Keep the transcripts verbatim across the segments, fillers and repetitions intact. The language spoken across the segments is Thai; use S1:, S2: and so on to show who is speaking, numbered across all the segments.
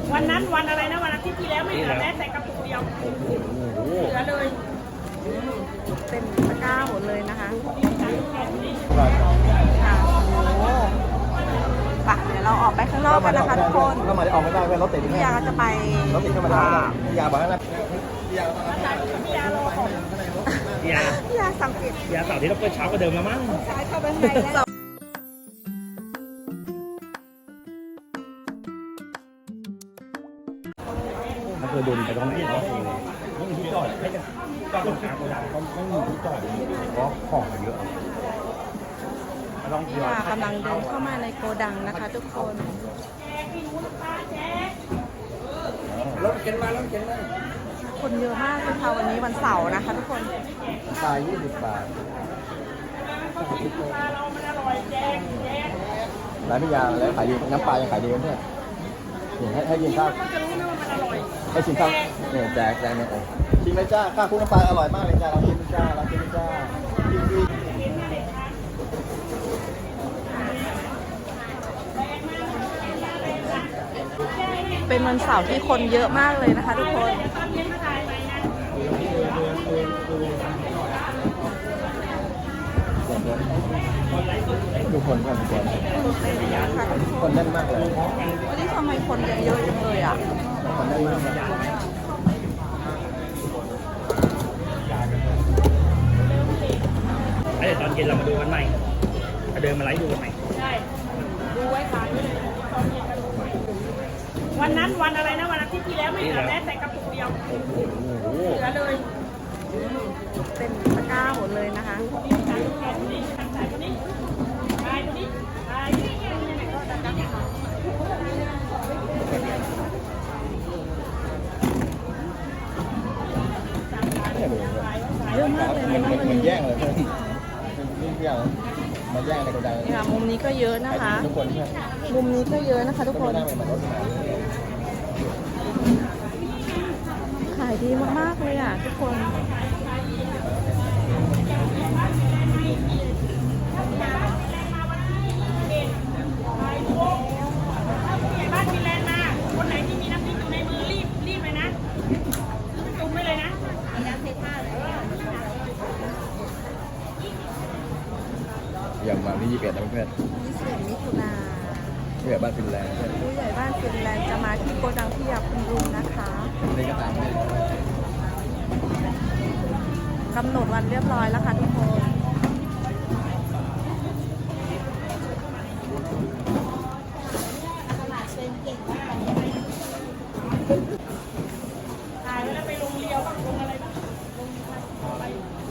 S1: วันนั้นวันอะไรนะวันอาทิตย์ที่แล้วไม่เหลือแม้แต่กระปุกเดียวเหลือเลย
S2: เต็มตะกร้าหมดเลยนะคะ
S3: ค่ะ
S2: โอ้โหไปเดี๋ยวเราออกไปข้างนอกกันนะคะทุกคน
S3: ก็มาได้ออกไม่ได้เพื่อนรถติด
S2: พี่ยาจะไป
S3: รถติดเข้ามาได้พี่ยาบอกนะ
S1: พี่ยาพี่ยารอก่อน
S4: พี่ยา
S2: พี่ยาสั่งปิด
S4: พี่ยาเสาร์ที่เราเปิดเช้ากว่าเดิมแล้วมั้ง
S2: ซ้ายเข้าไปข้างในแล้ว
S4: มันเคยโดนไปตรงนี้เนาะไม่มีที่จอดให้จะจอดตรงกลางโกดังก็ไม่มีที่จอดเพราะของมันเยอะ
S2: พี่ยากำลังเดินเข้ามาในโกดังนะคะทุกคน
S3: รถเข็นมาแล้วเข็นมา
S2: คนเยอะมากเลยค่ะวันนี้วันเสาร์นะคะทุกคน
S3: ปลายี่สิบบาทร้านพี่ยาแล้วขายดีน้ำปลายังขายดีเนี่ยให้ให้กินข้าวให้ชิมข้าวเนี่ยแจกแจกเนี่ยชิมไหมจ้าข้าวคลุกน้ำปลาอร่อยมากเลยจ้าเราชิมจ้าเราชิมจ้า
S2: เป็นวันเสาร์ที่คนเยอะมากเลยนะคะทุกคน
S3: ทุกคนกันทุกคนคนแน่นมากเลย
S2: วันนี้ทำไมคนเยอะจังเลยอ่ะ
S3: คนแน่นมาก
S4: เดี๋ยวตอนเย็นเรามาดูกันใหม่เดินมาไลฟ์ดูกันใหม่
S1: ใช่ดูไว้ขายตอนเย็นก็ดูใหม่วันนั้นวันอะไรนะวันอาทิตย์ที่แล้วไม่เหลือแม้แต่กระปุกเดียวเหลือเลย
S2: เต็มตะกร้าหมดเลยนะคะเยอะมากเลยนะ
S3: มันมันแย่งเลยเพื่อนนี่เพี้ยมาแย่งในกระดัง
S2: นี่ค่ะมุมนี้ก็เยอะนะคะ
S3: ทุกคน
S2: มุมนี้ก็เยอะนะคะทุกคนขายดีมากๆเลยอ่ะทุกคน
S1: บ้านฟินแลนด์มาคนไหนที่มีน้ำพริกอยู่ในมือรีบรีบเลยนะจุ่มไปเลยนะ
S3: อย่างมาที่ยี่สิบเอ็ดนะเพื่อน
S2: ยี่สิบเอ็ดมิถุนา
S3: ผู้ใหญ่บ้านฟินแลนด์
S2: ผู้ใหญ่บ้านฟินแลนด์จะมาที่โกดังที่ยาคุณลุงนะคะ
S3: นี่ก็ตาม
S2: กำหนดวันเรียบร้อยแล้วค่ะทุกคน
S1: ถ่ายแล้วไปลงเรียวบ้างลงอะไรบ้างลงอะไร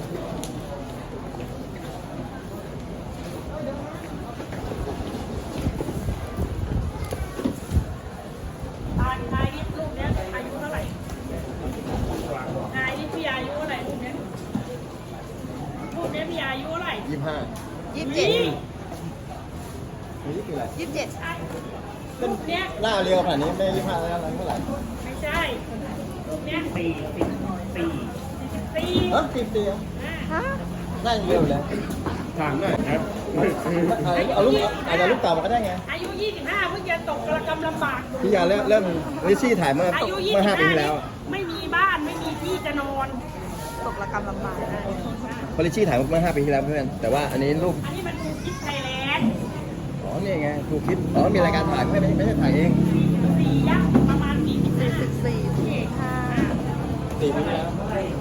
S1: ตายตายนี่ลูกเนี้ยอายุเท่าไหร่ตายนี่พี่อายุเท่าไหร่ลูกเนี้ยลูกเนี้ยพี่อายุเท่าไหร่
S3: ยี่สิบห้า
S2: ยี่สิบเจ็ด
S3: นี่คืออะไร
S2: ยี่สิบเจ็ด
S1: ลูกเนี้ย
S3: หน้าเรียวขนาดนี้ไม่ยี่สิบห้าแล้วอะไรเท่าไหร่
S1: ไม่ใช่ลูกเนี้ย
S4: สี่สิบสี่
S1: สิบสี่
S3: เออสิบสี่
S2: ฮะ
S3: หน้าเรียวเลย
S4: ถามหน่อยครับ
S3: เอาลูกอาจจะลูกเต่ามาก็ได้ไง
S1: อายุยี่สิบห้าเพิ่งจะตกกระกำลำบาก
S3: พี่ยาเริ่มเริ่มลิซี่ถ่ายเมื่อเมื่อห้าปีแล้ว
S1: ไม่มีบ้านไม่มีที่จะนอน
S2: ตกระกำลำบากนะ
S3: พอลิซี่ถ่ายเมื่อห้าปีที่แล้วเพื่อนแต่ว่าอันนี้รูป
S1: อันนี้มันถูกคิดไทยแลนด์
S3: อ๋อนี่ไงถูกคิดอ๋อมีรายการถ่ายไม่ไม่ไม่ใช่ถ่ายเอง
S1: สี่ยักษ์ประมาณสี่สิบห้า
S2: สี่สี่ห้า
S3: สี่ปีแล้ว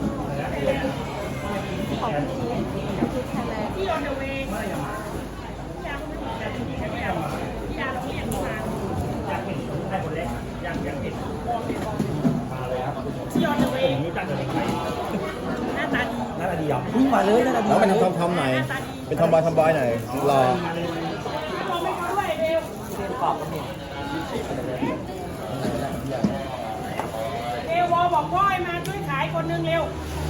S2: ของพี่ที่ไทยแลนด์
S1: ที่ออนเดอะเวย์พี่ยาก็ไม่ถูกแต่จริงๆพี่ยาพี่ยาเราเรียนมา
S4: อยากเห็นได้คนแรกอยากอยากเห็นมาเลยครับ
S1: ที่ออนเดอะเวย์
S4: รู้จักกันยังไง
S1: หน้าตาดี
S4: หน้าตาดีอ่ะพุ่งมาเลยหน้าตาดี
S3: แล้วเป็นทอมทอมหน่อยเป็นทอมบอยทอมบอยหน่อยรอ
S1: บอกไม่เขาด้วยเร็วเรียนกรอบกันเนี่ยเอวอบอกพ่อให้มาช่วยขายคนนึงเร็ว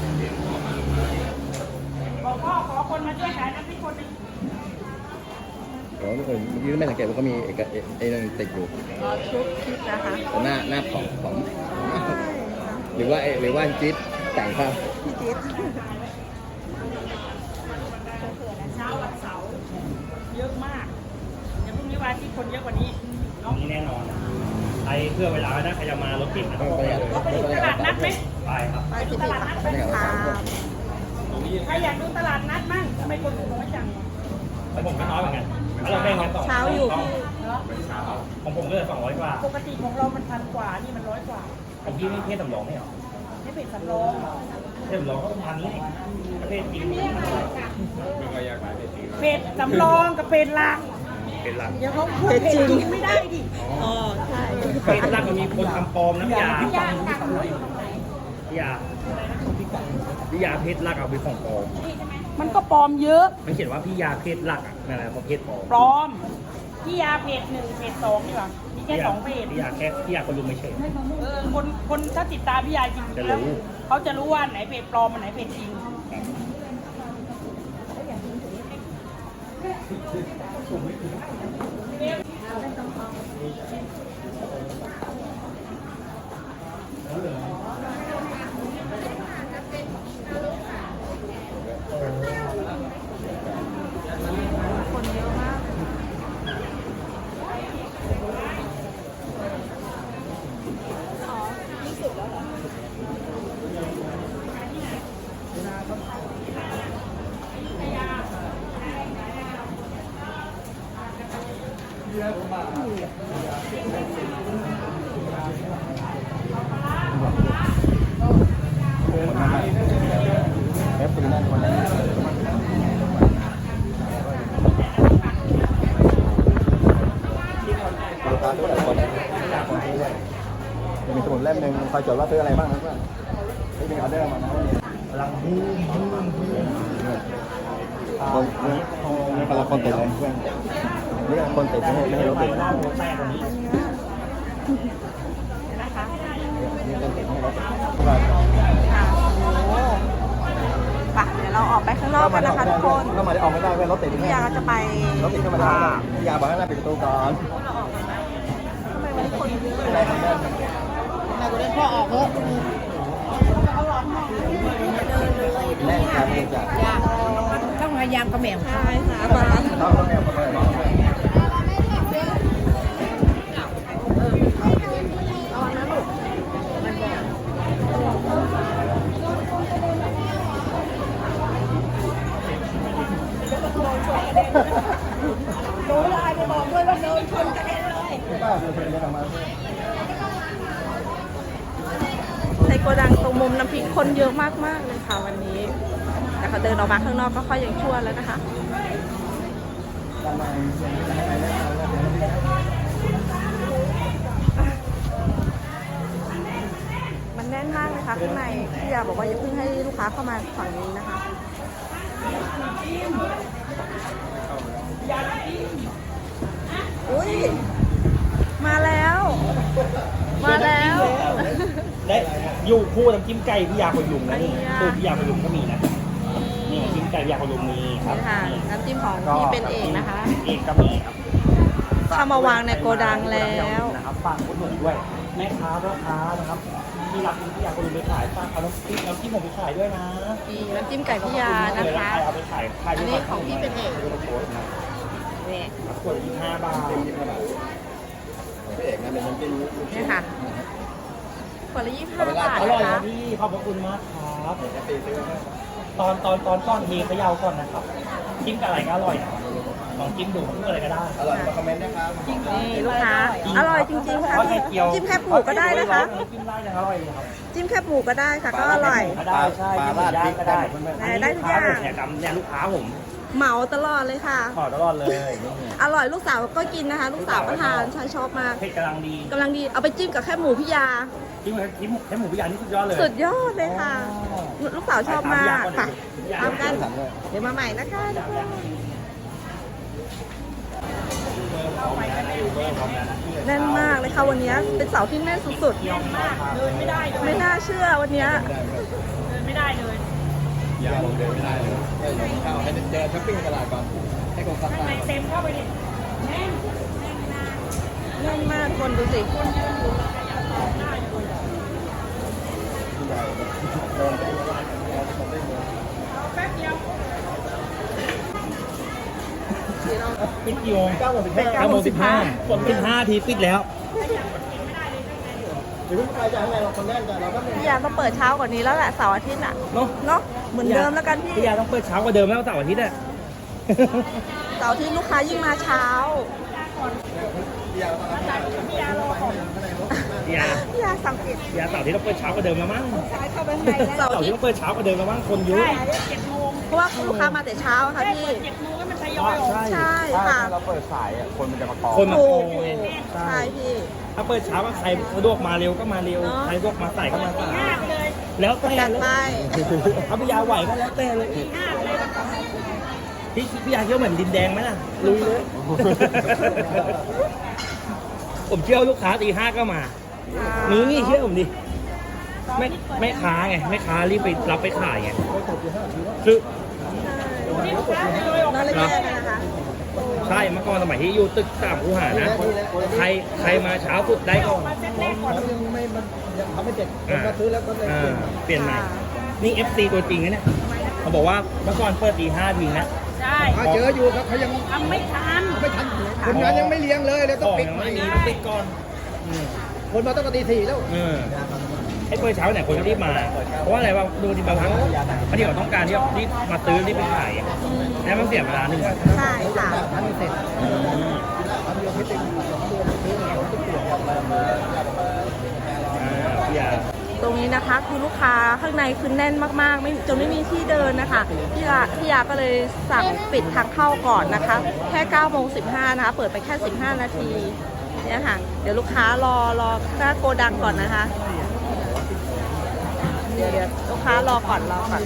S1: บอกพ่อขอคนมาช่วยขายน้ำพริกคนนึง
S3: โอ้เออเมื่อกี้ไม่สังเกตว่าก็มีเอกไอ้นั่นติดอยู่
S2: ชุดคิดนะคะ
S3: หน้าหน้าของของหรือว่าหรือว่าจิ๊ดแต่งภาพ
S2: พี่จิ๊ด
S1: เช้าวันเสาร์เยอะมากเดี๋ยวพรุ่งนี้วันที่คนเยอะกว่านี้
S4: เนาะนี่แน่นอนใครเพื่อเวลานะใครจะมารถติดนะต้อง
S3: ไป
S4: ไป
S3: กัน
S4: เลย
S1: เขาไปถึงตลาดนัดไหม
S4: ไปครับ
S2: ไปสิบสี่ค่ะ
S3: ไปกันครับ
S1: ใครอยากดูตลาดนัดมั่งทำไมคนดูน้อยจัง
S4: แล้วผมก็น้อยเหมือนกันแล้วเราแบ่งกันสอง
S2: เช้าอยู่พี่
S1: เนาะ
S4: ของผมก็เลยสองร้อยกว่า
S1: ปกติของเรามันพันกว่านี่มันร้อยกว่า
S4: ของพี่ไม่เทศสำรองไม่เหรอ
S1: ไม่เป็นสำรอง
S4: เทศสำรองก็พันนี่ประเภทจริง
S1: เพจสำรองกับเพจหลัก
S4: เป็นหลัก
S1: เดี๋ยวเขาพูดเพจจริงไม่ได้ดิ
S2: อ๋อใช่
S4: เป็นหลักมันมีคนทำปลอมน้ำยา
S1: พี่ยาตักเลย
S4: ยาพี่ยาเพชรหลักเอาไปของปลอม
S1: มันก็ปลอมเยอะ
S4: มันเขียนว่าพี่ยาเพชรหลักอ่ะนั่นแหละประเภทปลอม
S1: ปลอมพี่ยาเพจหนึ่งเพจสองนี่หว่ามีแค่สองเพจ
S4: พี่ยาแค่พี่ยาคนรู้ไม่เฉย
S1: เออคนคนถ้าติดตามพี่ยาจริงๆ
S4: จะรู้
S1: แล้วเขาจะรู้ว่าไหนเพจปลอมอันไหนเพจจริง
S2: คนเยอะมาก
S3: เอฟซีนั่นคนนั้นลูกค้าทุกหลายคนคนที่ด้วยมีสมุดเล่มหนึ่งคอยจดว่าซื้ออะไรบ้างนะเพื่อนไม่มีออเดอร์มานะวันนี้
S4: กำลังบูมบูมบูม
S3: คนนี่กำลังคนติดเลยเพื่อนนี่คนติดไม่ให้ไม่ให้รถติด
S4: หน้าโมแตกวันนี้
S2: นะคะ
S3: นี่คนติดไม่ให้รถติด
S2: ค่ะโอ้ไปเดี๋ยวเราออกไปข้างนอกกันนะคะทุกคน
S3: เข้ามาได้ออกไม่ได้เพื่อนรถติด
S2: พี่ยาก็จะไป
S3: รถติดเข้ามาได้พี่ยาบอกให้หน้าปิดประตูก่อน
S2: ทำไมวันนี้คนเยอะ
S3: ไม่ได้ไม่ได้
S2: นายก็เล่นพ่อออกเถอะเดินเลย
S3: แน่นครับเนื่องจาก
S2: ต้องพยายามกระแหม่มใช่ค่ะมา
S3: ต้องต้องแอบมาเลย
S2: โดนไลน์ไปบอกด้วยว่าโดนชนกระเด็นเลย
S3: ป้าเพื่อนจะทำมา
S2: ในโกดังตรงมุมน้ำพริกคนเยอะมากๆเลยค่ะวันนี้ แต่เขาเดินออกมาข้างนอกก็ค่อยยังชั่วแล้วนะคะ มันแน่นมากเลยค่ะข้างในพี่ยาบอกว่าอย่าเพิ่งให้ลูกค้าเข้ามาฝั่งนี้นะคะ อุ้ยมาแล้ว มาแล้ว
S4: และอยู่คู่น้ำจิ้มไก่พี่ยาคนยุงนะนี่
S2: อันนี้อะ
S4: ตัวพี่ยาคนยุงก็มีนะนี่น้ำจิ้มไก่พี่ยาคนยุงมีครับ
S2: นี่ค่ะน้ำจิ้มของพี่เป็นเอกนะคะ
S4: เอกก็มีครับ
S2: เข้ามาวางในโกดังแล้ว
S4: นะครับฝากคนหนุนด้วยแม่ค้าพ่อค้านะครับที่รับพี่ยาคนยุงไปขายฝากเอาน้ำจิ้มน้ำจิ้มผมไปขายด้วยนะ
S2: มีน้ำจิ้มไก่พี่ยานะคะ
S4: เอาไปขายขาย
S2: อันนี้ของพี่เป็นเอกนี่
S4: ขวดยี่สิบห้าบาท
S3: พี่เอกนะเป็นน้ำจิ้ม
S2: นี่ค่ะขวดละยี่สิบห้าบาท
S4: อร่อย
S2: นะคะ
S4: นะพี่ขอบพระคุณมากครับ
S3: เอกตีซื้อให้
S4: ตอนตอนตอนก้อนเทเขย่าก่อนนะครับจิ้มกับอะไรก็อร่อยนะลองจิ้มดูเพื่ออะไรก็ได้
S3: อร่อยมาคอมเมนต์นะครับ
S2: นี่ลูกค้า อร่อยจริงๆค่ะ
S4: ทอดไข่เจียว
S2: จิ้มแคบหมูก็ได้นะคะ
S4: จิ้มได้ยังอร่อยเลยครับ
S2: จิ้มแคบหมูก็ได้ค่ะ ก็อร่อย
S4: ก็ได้ใช่
S3: ปลา
S4: จิ้ม
S3: ราด
S4: ย่า
S3: พริ
S4: ง
S3: ก
S4: ก็
S3: ได้
S4: ได้
S2: ได้ทุกอย่าง
S4: ลูกค้าผมเนี่ยจำเนี่ยลูกค้าผม
S2: เหมาตลอดเลยค่ะ
S4: ขอตลอดเลยนี่
S2: อร่อยลูกสาวก็กินนะคะ ลูกสาวก็ทานใช่ชอบมาก
S4: เผ็ดกำลังดี
S2: กำลังดีเอาไปจิ้มกับแคบหมูพี่ยา
S4: จิ้มจิ้มแค่หมูพิยานี่สุดยอดเลย
S2: สุดยอดเลยค่ะ ลูกสาวชอบมากไปตามกัน
S3: สั่งเลย
S2: เดี๋ยวมาใหม่นะคะทุกคน แน่นมากเลยค่ะวันนี้เป็นเสาร์ที่แน่นสุด
S1: แน่นมากเดินไม่ได้เล
S2: ๆ
S1: ย
S2: ไม่น่าเชื่อวันนี้
S1: เดินไม่ได้เลย
S3: ยาลงเดินไม่ได้เลยให้ลงเข้าให้เดินช้อปปิ้งตลาดก่อนให้คนซัก
S1: ข้าง
S3: ผ้า
S1: ในเต็มเข้าไปดิแน่น
S2: แน่นมากคนดูสิ
S1: แป๊บเดียว
S4: ปิดกี่โมงเก้าโมงสิบห้าเก้าโมงสิบห้าฝนสิบห้าทีปิดแล้ว
S1: ขยับรถเข็นไม่ได้
S3: เดี๋ยวไปจากข้างในเราคนแน่นจ้ะเราก็
S2: พี่ยาต้องเปิดเช้ากว่านี้แล้วแหละเสาร์อาทิตย์อ่ะ
S4: เนาะ
S2: เนาะเหมือนเดิมแล้วกันพี่
S4: พี่ยาต้องเปิดเช้ากว่าเดิมแล้วเสาร์อาทิตย์อะ
S2: เสาร์อาทิตย์ลูกค้ายิ่งมาเช้า
S4: พี่ยา
S2: พี่ยาสั่งปิด
S4: พี่ยาเสาร์อาทิตย์ต้องเปิดเช้ากว่าเดิมแล้วมั้ง
S2: เสาร์
S4: เสาร์
S2: อา
S4: อา
S2: ทิ
S4: ทิ
S2: ต
S4: ตย์
S2: ย์
S4: ต้องเปิดเช้ากว่าเดิมแล้วมั้งคนเยอะ
S1: ใช่เจ็ดโมง
S2: เพราะว่าลูกค้ามาแต่เช้าค่ะ
S1: ได้
S2: พี่
S1: เปิดเจ็ดโมงก็มันทยอยออก
S2: ใช่
S3: ถ้า
S2: ค่ะ
S3: เราเปิดสายอ่ะคนมันจะมาคอ
S4: คนมา
S2: ถู
S4: โก
S2: ก
S4: งไง
S2: ใช่พี่
S4: ถ้าเปิดเช้าก็ใครสะดวกมาเร็วก็มาเร็ว
S2: เนอะ
S4: ใครสะดวกมาสายก็มาสาย
S1: ห้าไปเลย
S4: แล้วแต่
S2: จัด
S4: เลย
S2: ไป
S4: เอาพี่ยาไหวก็แล้วแต่เลย
S1: ห้าไปเลย
S4: พี่พี่ยาเที่ยวเหมือนดินแดงไหมล่ะลุยเลย ผมเชื่อว่าลูกค้าตีห้าก็มานี่นี่เชื่อผมดิไม่ไม่ค้าไงไม่ค้ารีบไปรับไปขายไงคือ
S1: นี่ลูกค้าทยอยออก
S2: นอนเลยแย่นะคะ
S4: ใช่เมื่อก่อนสมัยที่อยู่ตึกสามคูหานะใครใครมาเช้าสุดได้ก่อน
S1: มาเซ็ตแรกก่อน
S3: ยังไม่มันยังทำไม่เสร็จ
S4: อ่า
S3: ก็ซื้อแล้วก็เลย
S4: อ่าเปลี่ยนใหม่นี่ เอฟ ซี ตัวจริงนะเนี่ยเขาบอกว่าเมื่อก่อนเปิดตีห้าทีนะ
S1: ใช่
S3: ถ้าเจออยู่ครับเขายัง
S1: ทำไม่ทัน
S3: ไม่ทันคนงานยังไม่เลี้ยงเลยเลยต้อง
S4: ของ
S3: ปิด
S4: ยัง
S3: ใหม่
S4: ไม่มีต้องปิดก่อนอืม
S3: คนมาตั้งแต่ตีสี่แล้ว
S4: เออไอ้เปิดเช้าเนี่ยคนก็รีบมา เพราะว่าอะไรว่าดูที่บางครั้งบางทีเขาต้องการที่จะรีบมาซื้อรีบไปขายอะแล้วมันเสียเวลาหนึ่งวัน
S2: ใช่ค่ะ
S3: ทันเสร็จ
S4: อืม
S3: ทำเดียวไม่เต็มสองเดือนซื้อมาต้องเปลี่ยนแบบมามา
S4: อ่าพี่ยา
S2: ตรงนี้นะคะคือลูกค้าข้างในคือแน่นมากๆ ไม่จนไม่มีที่เดินนะคะพี่ยาพี่ยาก็เลยสั่งปิดทางเข้าก่อนนะคะ แค่เก้าโมงสิบห้านะคะ เปิดไปแค่สิบห้านาทีเนี่ยค่ะ เดี๋ยวลูกค้ารอรอหน้าโกดังก่อนนะคะ เดี๋ยวเดี๋ยวลูกค้ารอก่อนรอก่อน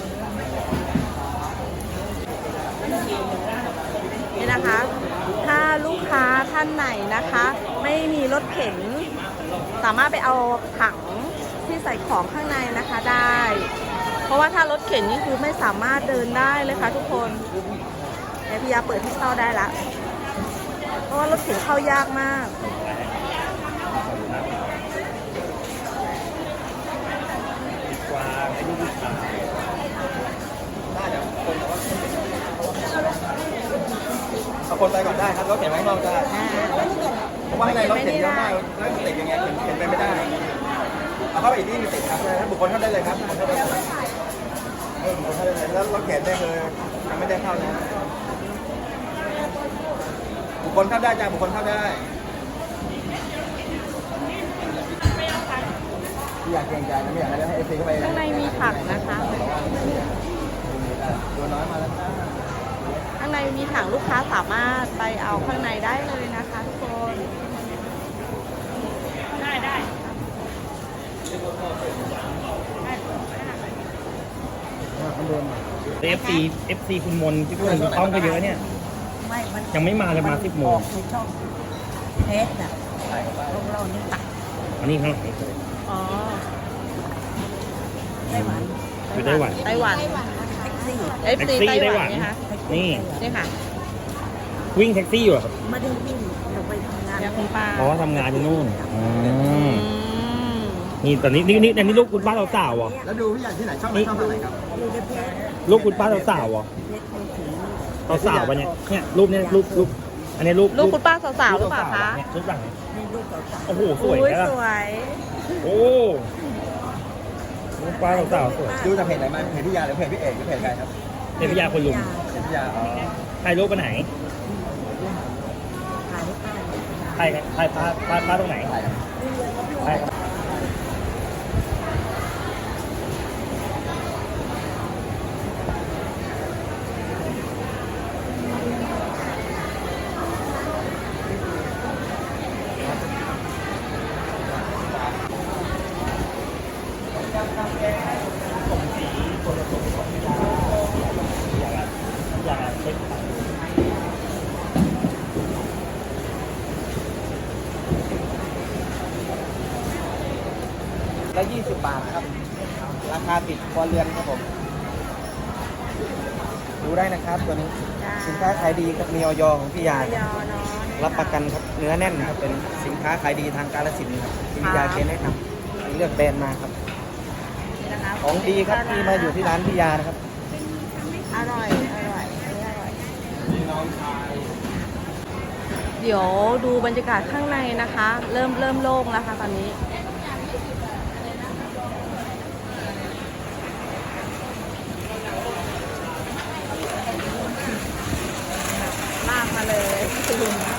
S2: นี่นะคะ ถ้าลูกค้าท่านไหนนะคะ ไม่มีรถเข็น สามารถไปเอาถังที่ใส่ของข้างในนะคะได้ เพราะว่าถ้ารถเข็นนี่คือไม่สามารถเดินได้เลยค่ะทุกคนเดี๋ยวพี่ยาเปิดให้เข้าได้ละ เพราะว่ารถเข็นเข้ายากมาก
S4: กวางไอ้ลูกผู้ชาย
S3: เอาคนไปก่อนได้ครับรถเข็นไว้ข้างนอกได้เพราะว่าข้างในรถเข็นเยอะมากแล้วติดยังไงเข็นเข็นไปไม่ได้เอาเข้าไปอีกที่มีติดครับเลยบุคคลเข้าได้เลยครับบุคคลเข้าได้เลยเออบุคคลเข้าได้เลยแล้วรถเข็นได้เลยยังไม่ได้เข้านะบุคคลเข้าได้จ้าบุคคลเข้าได้ที่อยากเกรงใจนะไม่อยากให้เอฟซีเข้าไป
S2: ข้างในมีถังนะคะ
S3: ตัวน้อยมาแล้ว
S2: ข้างในมีถังลูกค้าสามารถไปเอาข้างในได้เลยนะคะทุกคน
S1: ได้ได้
S4: เอฟซีเอฟซีคุณมนที่คุณต้องก็เยอะเนี่ยยังไม่มาเลยมาสิบโมง
S1: เทสอ่ะพวกเรานี่ตัก
S4: อันนี้ข้างหลังนี่
S2: อ๋อ
S1: ไต้หวัน
S4: อยู่ไต้หวัน
S2: ไต้หวัน
S1: แท็กซี่
S2: เอฟ
S4: แท็ก
S2: ซี
S4: ซี่
S2: ไต้
S4: ไต้
S2: ห
S4: ห
S2: วั
S4: วัน น
S2: นี่คะ
S4: นี่
S2: นี่ค่ะ
S4: วิ่งแท็กซี่อยู่เหรอครับ
S1: ไม่ได้วิ่งเราไปทำงาน
S2: เดี๋ยวคุณป้า
S4: เพราะว่าทำงานที่นู่นอืม
S2: อืม
S4: นี่ตอนนี้นี่นี่อันนี้ลูกคุณป้าสาวๆเหรอ
S3: แล้วดูพี่ใหญ่ที่ไหนชอบไหนชอบอะไรครับ
S1: อยู่ในเพจ
S4: ลูกคุณป้าสาวๆเหรอ
S1: เพจมือถือ
S4: สาวๆปะเนี่ยเนี่ยรูปเนี่ยรูปรูปอันนี้รูป
S2: ลูกคุณป้าสาวๆหรือเปล่าคะ
S4: เนี่ยรูปหลังเนี่ย
S1: ในรูปเก่า
S4: โอ้โหสวย
S2: อุ้ย
S4: นะ
S2: สวย
S4: โอ้ลูกป้าสาวๆสวย
S3: ดูจากเพจไหนมาเพจพี่ยาหรือเพจพี่เอกหรือเพจใครครับ
S4: เทพยาคนลุม
S3: เพจพี่ยาอ๋อ
S4: ถ่ายรูปไปไหน
S1: ๆถ่ายให้ป้า
S4: ถ่ายถ่ายป้าป้าป้าตรงไหน
S3: ถ่ายครับ
S4: ถ่าย
S3: แล้วยี่สิบบาทครับ ราคาติดครัวเรือนครับผม ดูได้นะครับตัวนี้
S2: จ้า
S3: สินค้าขายดีครับมีออยของพี่ยา
S2: ยอเนาะ
S3: รับประกันครับเนื้อแน่นครับเป็นสินค้าขายดีทางกาฬสินธุ์ครับที่พี่ยาเคแนะนำเลือกแบรนด์มาครับ
S2: นี่นะคะ
S3: ของดีครับที่มาอยู่ที่ร้านพี่ยานะครับ
S2: อร่อย อร่อยอันนี้อร่อย เดี๋ยวดูบรรยากาศข้างในนะคะ เริ่มเริ่มโล่งแล้วค่ะตอนนี้มาเลยคุณลุง